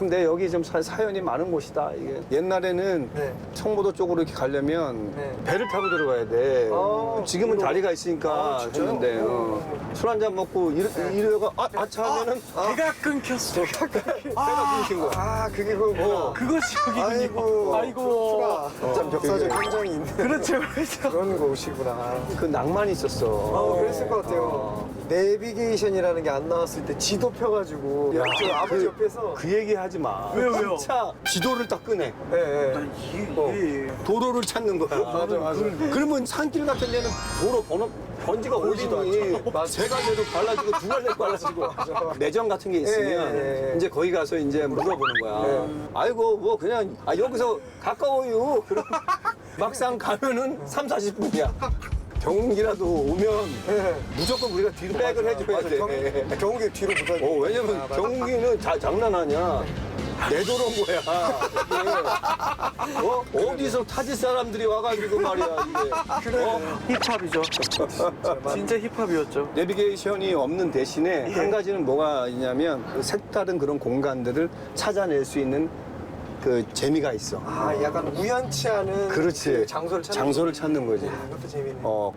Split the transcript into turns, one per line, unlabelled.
근데 여기 좀 사연이 많은 곳이다. 이게 옛날에는
네.
청보도 쪽으로 이렇게 가려면
네.
배를 타고 들어가야 돼. 지금은
위로.
다리가 있으니까
진짜요?
좋은데 술 한잔 먹고 이러다가 아차 하면은
배가 끊겼어.
배가 끊긴 거야.
아, 그게 그거구나.
그것이 여기군요.
아이고.
아이고.
참 역사적 현장이 있는
그렇죠, 그렇죠.
그런 곳이구나.
그 낭만이 있었어.
그랬을 것 같아요. 내비게이션이라는 게 안 나왔을 때 지도 펴가지고 저 아버지 옆에서
그 얘기 하지 마.
왜요?
차 지도를 딱 끄네.
예, 예.
이게
도로를 찾는 거야.
맞아, 맞아.
그러면 산길 같은 데는 도로 번지가
보이지도
오리니
않죠.
세 갈래로 발라지고 두 갈래 발라지고 매점 같은 게 있으면
예, 예.
이제 거기 가서 이제 물어보는 거야.
예.
아이고 뭐 그냥 여기서 가까워요. 그럼 막상 가면은 3, 40분이야. 경운기라도 오면
예.
무조건 우리가 뒤로 백을 해줘야
맞아,
돼.
경운기 뒤로 붙어야 돼.
왜냐면
맞아.
경운기는 장난 아니야. 내 도로인 거야. 이게. 어디서 타지 사람들이 와가지고 말이야 이게.
힙합이죠. 진짜 힙합이었죠.
내비게이션이 없는 대신에 한 가지는 뭐가 있냐면 그 색다른 그런 공간들을 찾아낼 수 있는 그 재미가 있어.
아, 약간 우연치 않은
그렇지.
그 장소를 찾는
장소를 찾는 거지.
이것도 재밌네.